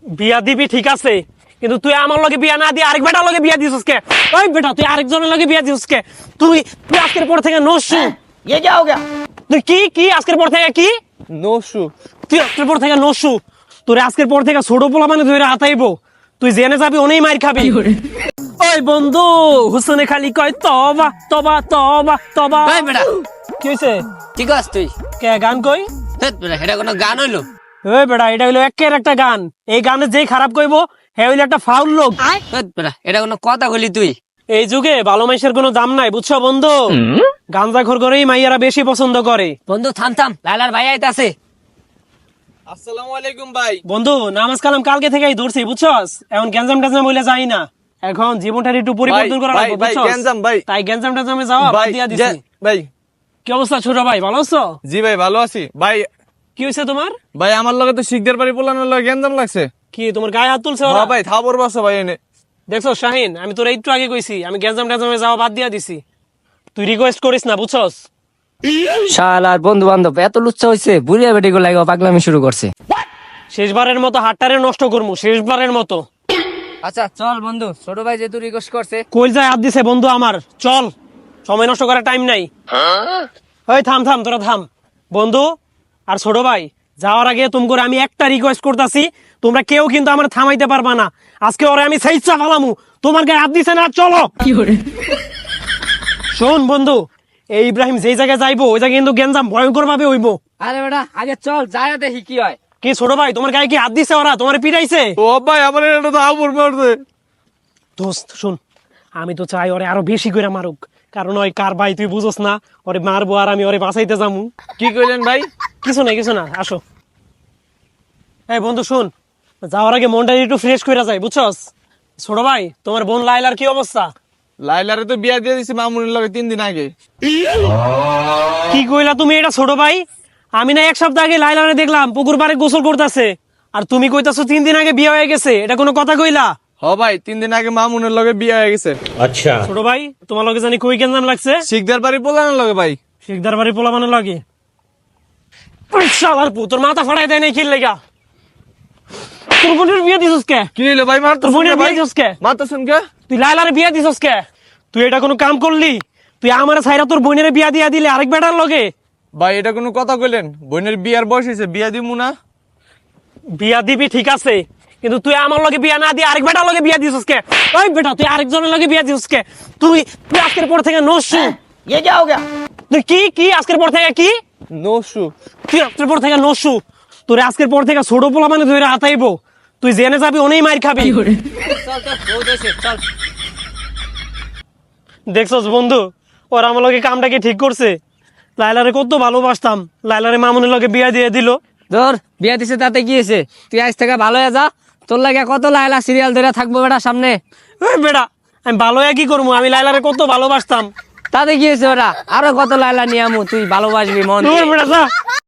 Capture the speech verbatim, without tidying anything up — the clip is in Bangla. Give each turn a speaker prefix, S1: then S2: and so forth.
S1: বিয়া দিবি ঠিক আছে, কিন্তু তুই আমার লগে বিয়া না দিয়ে আরেক বেটার লগে বিয়া দিছিস কে? ওই বেটা তুই আরেকজনের লগে বিয়া দিছিস কে? তুই তুই আজকের পর থেকে নসু।
S2: ये क्या हो गया?
S1: তুই কি কি আজকের পর থেকে কি?
S2: नोशू।
S1: তুই আজকের পর থেকে নসু। তোর আজকের পর থেকে ছোট পোলা মানে ধরে হাতাইবো। তুই জেনে যাবি ওনেই মার খাবি। ওই বন্ধু হুসনে খালি কয় তবা তবা তবা তবা।
S3: ওই বেটা
S1: কি হইছে?
S3: ঠিক আছে তুই
S1: কে গান কই?
S3: ধ্যাৎ বেটা এটা কোনো গান হইলো?
S1: ওই বেটা এটা হইলো একের একটা গান। এই গানে যেই খারাপ কইবো হে হইলো একটা ফাউল লোক।
S3: ধ্যাৎ বেটা এটা কোনো কথা কইলি তুই?
S1: এই যুগে ভালো মাইশের কোনো দাম নাই বুঝছো বন্ধু। গাঞ্জাখোর করেই মাইয়ারা বেশি পছন্দ করে।
S3: বন্ধু থাম থাম, লালার ভাই আইতাছে।
S2: আসসালামু আলাইকুম ভাই।
S1: বন্ধু নামাজ কালাম কালকে থেকেই ধরছি বুঝছস। এখন গ্যাঞ্জাম ট্যাঞ্জাম হইলে যাই না। এখন জীবনটার একটু পরিবর্তন করা
S2: ভাই,
S1: লাগবে
S2: ভাই,
S1: বুঝছস।
S2: গ্যাঞ্জাম ভাই।
S1: তাই গ্যাঞ্জাম ট্যাঞ্জামে যাওয়া বাদ
S2: ভাই
S1: দিয়া দিছি।
S2: যে- ভাই
S1: কি অবস্থা ছোট ভাই, ভালো আছো?
S2: জি ভাই ভালো আছি ভাই।
S1: কি হয়েছে তোমার?
S2: ভাই আমার লগে তো শিখদের বাড়ি পোলানোর লগে গেঞ্জাম লাগছে।
S1: কি তোমার গায়ে হাত তুলছে ওরা?
S2: হ্যাঁ ভাই থাবর বসো ভাই এনে।
S1: দেখছো শাহিন, আমি তোর একটু আগে কইছি আমি গ্যাঞ্জাম ট্যাঞ্জামে যাওয়া বাদ দিয়া দিছি। তুই রিকোয়েস্ট করিস না বুঝছস।
S3: শালার বন্ধু বান্ধব এত লুচ্ছা হইছে, বুড়িয়া বেটি গুলো লাগা পাগলামি শুরু করছে।
S1: শেষবারের মতো হাটটারে নষ্ট করমু, শেষবারের মতো।
S3: আচ্ছা চল বন্ধু, ছোট ভাই যেহেতু রিকোয়েস্ট করছে।
S1: কইল যায় হাত দিছে বন্ধু আমার, চল। সময় নষ্ট করার টাইম নাই। ওই থাম থাম তোরা থাম। বন্ধু আর ছোট ভাই যাওয়ার আগে তোমাকে আমি একটা রিকোয়েস্ট করতেছি, তোমরা কেউ কিন্তু আমার থামাইতে পারবা না। আজকে ওরে আমি সেইচা ফালামু, তোমার গায়ে হাত দিছে না, চলো। শোন বন্ধু, এই ইব্রাহিম যেই জায়গায় যাইবো ওই জায়গায় কিন্তু গেঞ্জাম ভয়ঙ্কর ভাবে হইবো।
S3: আরে বেটা আগে চল যায় দেখি কি হয়।
S1: কি ছোট ভাই তোমার গায়ে কি হাত দিছে ওরা, তোমার পিটাইছে?
S2: ও ভাই আমার এটা তো আবর মারছে।
S1: দোস্ত শুন, আমি তো চাই ওরে আরো বেশি করে মারুক, কারণ ওই কার ভাই তুই বুঝোস না, ওরে মারবো আর আমি ওরে বাঁচাইতে যামু।
S2: কি কইলেন ভাই?
S1: কিছু না কিছু না, আসো। এই বন্ধু শুন, যাওয়ার আগে মনটা একটু ফ্রেশ করে যায় বুঝছস। ছোট ভাই তোমার বোন লাইলার কি অবস্থা?
S2: লাইলারে তো বিয়া দিয়ে দিছি মামুনের লগে তিন দিন আগে।
S1: কি কইলা তুমি এটা ছোট ভাই? আমি না এক সপ্তাহ আগে লাইলারে দেখলাম পুকুর পাড়ে গোসল করতেছে, আর তুমি কইতাছো তিন দিন আগে বিয়ে হয়ে গেছে। এটা কোনো কথা কইলা?
S2: হ ভাই তিন দিন আগে মামুনের লগে বিয়া হয়ে গেছে।
S1: ছোট ভাই তোমার লগে জানি কই কেন নাম লাগছে?
S2: শিখদের বাড়ি পোলানোর লগে ভাই।
S1: শিকদার বাড়ি পোলা মানে লাগে। শালার পু তোর মাথা ফাটাই দেয় নাই কি লাগা? তোর বোনের বিয়ে দিছস কে?
S2: কি হইলো ভাই মারতো
S1: তোর বোনের বিয়ে দিছস কে?
S2: মারতেছেন কে?
S1: তুই লাইলারে বিয়ে দিছস কে? তুই এটা কোনো কাম করলি? তুই আমার ছাইরা তোর বোনের বিয়া দিয়া দিলে আরেক বেটার লগে।
S2: ভাই এটা কোনো কথা কইলেন? বোনের বিয়ার বয়স হয়েছে, বিয়া দিমু না।
S1: বিয়া দিবি ঠিক আছে, কিন্তু তুই আমার লগে বিয়া না দিয়ে আরেক বেটার লগে বিয়া দিছস কে? ওই বেটা তুই আরেকজনের লগে বিয়া দিছস কে? তুই তুই আজকের পর থেকে নসু।
S2: ये क्या हो गया?
S1: তুই কি কি আজকের পর থেকে কি?
S2: নসু।
S1: তুই আজকের পর থেকে নসু। তোর আজকের পর থেকে ছোট পোলা মানে ধরে হাতাইবো। তুই জেনে যাবি ওনেই মার খাবি।
S3: চল চল বহুত হইছে, চল।
S1: দেখছস বন্ধু, ওর আমার লগে কামটা কি ঠিক করছে? লাইলারে কত ভালোবাসতাম, লাইলারে মামুনের লগে বিয়া দিয়ে দিল।
S3: ধর বিয়া দিছে তাতে কি হয়েছে? তুই আজ থেকে ভালো হয়ে যা, তোর লাগে কত লাইলা সিরিয়াল ধরে থাকবো বেটা সামনে।
S1: ওই বেটা আমি ভালো হয়ে কি করবো? আমি লাইলারে কত ভালোবাসতাম।
S3: তাতে কি হয়েছে ওরা? আরো কত লাইলা নিয়ে আমু, তুই ভালোবাসবি মন
S1: তোর বেটা যা।